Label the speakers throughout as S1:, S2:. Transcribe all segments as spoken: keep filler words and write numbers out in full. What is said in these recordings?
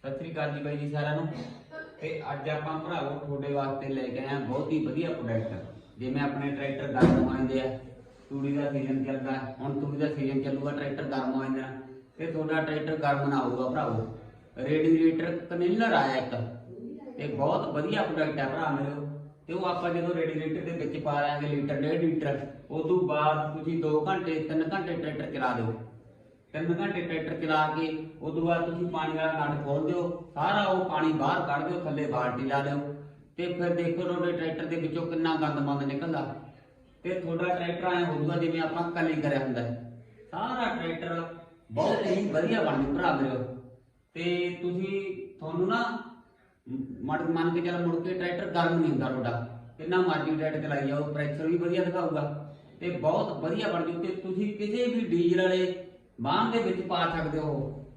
S1: सत श्री अकाल जी बाई जी सारिਆਂ ਨੂੰ। ਤੇ ਅੱਜ ਆਪਾਂ ਭਰਾਵੋ ਤੁਹਾਡੇ ਵਾਸਤੇ ਲੈ ਕੇ ਆਏ ਬਹੁਤ ਹੀ ਵਧੀਆ ਪ੍ਰੋਡਕਟ। ਜਿਵੇਂ ਆਪਣੇ ਟਰੈਕਟਰ ਗਰਮ ਹੋ ਜਾਂਦੇ ਆ, ਤੂੜੀ ਦਾ ਸੀਜ਼ਨ ਚੱਲਦਾ, ਹੁਣ ਤੂੜੀ ਦਾ ਸੀਜ਼ਨ ਚੱਲੂਗਾ, ਟਰੈਕਟਰ ਗਰਮ ਹੋ ਜਾਂਦਾ ਤੇ ਤੁਹਾਡਾ ਟਰੈਕਟਰ ਗਰਮ ਨਾ ਹੋਊਗਾ ਭਰਾਵੋ। ਰੇਡੀਏਟਰ ਕਨੇਲਰ ਆਇਆ ਇੱਕ ਤੇ ਬਹੁਤ ਵਧੀਆ ਪ੍ਰੋਡਕਟ ਹੈ ਭਰਾ ਮੇਰੇ। ਤੇ ਉਹ ਆਪਾਂ ਜਦੋਂ ਰੇਡੀਏਟਰ ਦੇ ਵਿੱਚ ਪਾ ਲਾਂਗੇ ਲੀਟਰ ਡੇਢ ਲੀਟਰ, ਉਸ ਤੋਂ ਬਾਅਦ ਤੁਸੀਂ ਦੋ ਘੰਟੇ ਤਿੰਨ ਘੰਟੇ ਟਰੈਕਟਰ ਚਲਾ ਦਿਓ। तीन घंटे ट्रैक्टर चला के उस बाद तुम पानी वाला नट खोल दो, सारा वो पानी बाहर कढ़ दो, थले बाल्टी ला लो तो फिर देखो थोड़े ट्रैक्टर के विचों कितना गंद मंद निकलता। तो थोड़ा ट्रैक्टर आए होगा जिवें आपां कली करिया हुंदा है, सारा ट्रैक्टर बहुत ही वधिया बन जू भरा मेरे। तो तुसीं तुहानूं ना मड़ मन के चल मुड़ के ट्रैक्टर गर्म नहीं हुंदा तुहाडा, कितना मर्जी ट्रैक्टर चलाई जाओ, प्रैशर भी वधिया दिखाऊगा तो बहुत वधिया बन जू। तो तुसीं किसी भी डीजल वाले बाहन के विच पा सकते हो।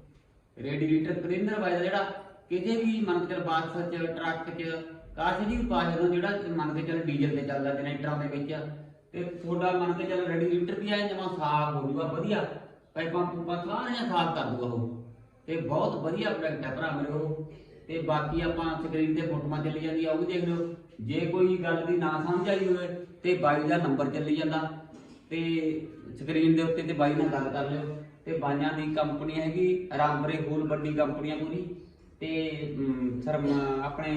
S1: रेਡੀਏਟਰ ਕਲੀਨਰ वाला जिहड़ा किसी भी मन के चल बस च ट्रक च काश जी भी पा सकते हो, जिहड़ा मन के चल डीजल से चलता जनरेटरों के विच। ते थोड़ा मन के चल रेਡੀਏਟਰ भी आए जमा साफ हो जूगा, वधिया पाइपां पूपां सारियां साफ कर दूगा वो। ते बहुत वधिया प्रोडक्ट है भरा मेरे वो। ते बाकी आपां स्क्रीन ते फोटोआं चली जांदी आ, वो भी देख लो। जे कोई गल दी ना समझ आई होवे ते बाई दा नंबर चली जांदा, ते स्क्रीन दे उत्ते ते बाई नाल गल कर लिओ। ते बाइयां दी कंपनी हैगी रामबरे फूल, बड़ी कंपनी है पूरी। ते सर अपने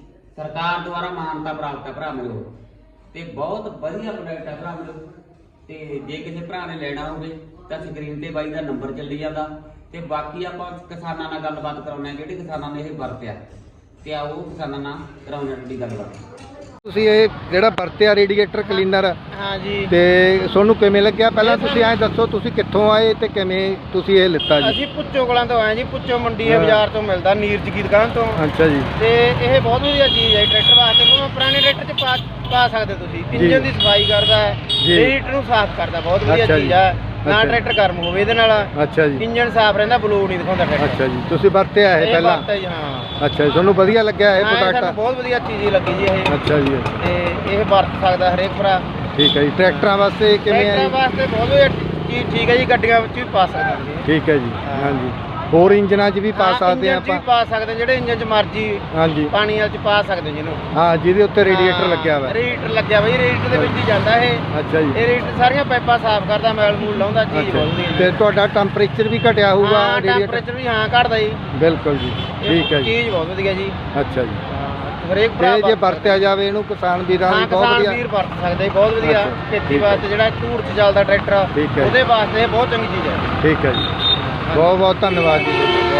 S1: सरकार द्वारा मानता प्राप्त है भरा मेरे। ते बहुत वधिया प्रोडक्ट है भरा मेरे। ते जे किसी भरा ने लेना होवे तां स्क्रीन ते बाई दा नंबर चली जांदा। ते बाकी आपां किसानां नाल गलबात कराउने जिहड़े किसानां ने इह वरतिया, ते आओ किसानां नाल कराउने दी गलबात।
S2: ਤੁਸੀਂ ਇਹ ਜਿਹੜਾ ਵਰਤਿਆ ਰੇਡੀਏਟਰ ਕਲੀਨਰ,
S3: ਹਾਂ ਜੀ,
S2: ਤੇ ਤੁਹਾਨੂੰ ਕਿਵੇਂ ਲੱਗਿਆ? ਪਹਿਲਾਂ ਤੁਸੀਂ ਐਂ ਦੱਸੋ ਤੁਸੀਂ ਕਿੱਥੋਂ ਆਏ ਤੇ ਕਿਵੇਂ ਤੁਸੀਂ ਇਹ ਲਿੱਤਾ ਜੀ?
S3: ਅਸੀਂ ਪੁੱਚੋ ਕਲਾਂ ਤੋਂ ਆਏ ਜੀ। ਪੁੱਚੋ ਮੰਡੀ ਹੈ, ਬਾਜ਼ਾਰ ਤੋਂ ਮਿਲਦਾ, ਨੀਰਜ ਕੀ ਦੁਕਾਨ ਤੋਂ।
S2: ਅੱਛਾ ਜੀ।
S3: ਤੇ ਇਹ ਬਹੁਤ ਵਧੀਆ ਚੀਜ਼ ਹੈ ਟਰੈਕਟਰ ਵਾਸਤੇ, ਕਿਉਂਕਿ ਪੁਰਾਣੇ ਟਰੈਕਟਰ 'ਚ ਪਾ ਪਾ ਸਕਦੇ ਤੁਸੀਂ। ਇੰਜਨ ਦੀ ਸਫਾਈ ਕਰਦਾ ਹੈ, ਰੇਡੀਏਟਰ ਨੂੰ ਸਾਫ਼ ਕਰਦਾ, ਬਹੁਤ ਵਧੀਆ ਚੀਜ਼ ਹੈ। ਨਾ ਟਰੈਕਟਰ ਗਰਮ ਹੋਵੇ ਇਹਦੇ ਨਾਲ।
S2: ਅੱਛਾ ਜੀ।
S3: ਇੰਜਨ ਸਾਫ਼ ਰਹਿੰਦਾ, ਬਲੂ ਨਹੀਂ ਦਿਖਾਉਂਦਾ ਟਰੈਕਟਰ।
S2: ਅੱਛਾ ਜੀ, ਤੁਸੀਂ ਵਰਤਿਆ ਇਹ ਪਹਿਲਾਂ?
S3: ਹਾਂ।
S2: ਅੱਛਾ ਜੀ, ਤੁਹਾਨੂੰ ਵਧੀਆ ਲੱਗਿਆ ਇਹ ਪ੍ਰੋਡਕਟ?
S3: ਸਾਨੂੰ ਬਹੁਤ ਵਧੀਆ ਚੀਜ਼ ਲੱਗੀ ਜੀ ਇਹ। ਅੱਛਾ
S2: ਜੀ।
S3: ਤੇ ਇਹ ਵਰਤ ਸਕਦਾ ਹਰੇਕ ਭਰਾ।
S2: ਠੀਕ ਹੈ ਜੀ। ਟਰੈਕਟਰਾਂ ਵਾਸਤੇ ਕਿਵੇਂ ਹੈ?
S3: ਟਰੈਕਟਰਾਂ ਵਾਸਤੇ ਬਹੁਤ ਵਧੀਆ ਚੀਜ਼, ਠੀਕ ਹੈ ਜੀ। ਗੱਡੀਆਂ ਵਿੱਚ ਵੀ ਪਾ ਸਕਦੇ।
S2: ਠੀਕ ਹੈ ਜੀ। ਹਾਂਜੀ, ਹੋਰ ਇੰਜਨਾਂ 'ਚ ਵੀ ਪਾ ਸਕਦੇ ਆ ਆਪਾਂ?
S3: ਪਾ ਸਕਦੇ, ਜਿਹੜੇ ਇੰਜਨ 'ਚ ਮਰਜੀ। ਹਾਂਜੀ, ਪਾਣੀ ਵਾਲ 'ਚ ਪਾ ਸਕਦੇ ਜਿਹਨੂੰ। ਹਾਂ,
S2: ਜਿਹਦੇ ਉੱਤੇ ਰੇਡੀਏਟਰ ਲੱਗਿਆ ਹੋਇਆ।
S3: ਰੇਡੀਏਟਰ ਲੱਗਿਆ ਬਈ, ਰੇਡੀਏਟਰ ਦੇ ਵਿੱਚ ਹੀ ਜਾਂਦਾ ਇਹ।
S2: ਅੱਛਾ ਜੀ। ਇਹ
S3: ਰੇਡੀਏਟਰ ਸਾਰੀਆਂ ਪਾਈਪਾਂ ਸਾਫ਼ ਕਰਦਾ, ਮੈਲ ਮੂਲ ਲਾਉਂਦਾ, ਚੀਜ਼ ਬਹੁਤ ਵਧੀਆ।
S2: ਤੇ ਤੁਹਾਡਾ ਟੈਂਪਰੇਚਰ ਵੀ ਘਟਿਆ ਹੋਊਗਾ ਰੇਡੀਏਟਰ?
S3: ਟੈਂਪਰੇਚਰ ਵੀ ਹਾਂ ਘਟਦਾ ਜੀ।
S2: ਬਿਲਕੁਲ ਜੀ। ਠੀਕ ਹੈ ਜੀ,
S3: ਚੀਜ਼ ਬਹੁਤ ਵਧੀਆ ਜੀ।
S2: ਅੱਛਾ ਜੀ।
S3: ਹਰੇਕ ਭਰਾ
S2: ਜੇ ਵਰਤਿਆ ਜਾਵੇ ਇਹਨੂੰ ਕਿਸਾਨ ਵੀਰਾਂ ਲਈ ਬਹੁਤ ਵਧੀਆ।
S3: ਕਿਸਾਨ ਵੀਰ ਵਰਤ ਸਕਦੇ, ਬਹੁਤ ਵਧੀਆ। ਖੇਤੀ ਵਾਸਤੇ ਜਿਹੜਾ ਧੂੜ 'ਚ ਚੱਲਦਾ ਟਰੈਕਟਰ, ਉਹਦੇ ਵਾਸਤੇ ਇਹ ਬਹੁਤ ਚੰਗੀ ਚੀਜ਼ ਹੈ।
S2: ਠੀਕ ਹੈ ਜੀ, ਬਹੁਤ ਬਹੁਤ ਧੰਨਵਾਦ ਜੀ।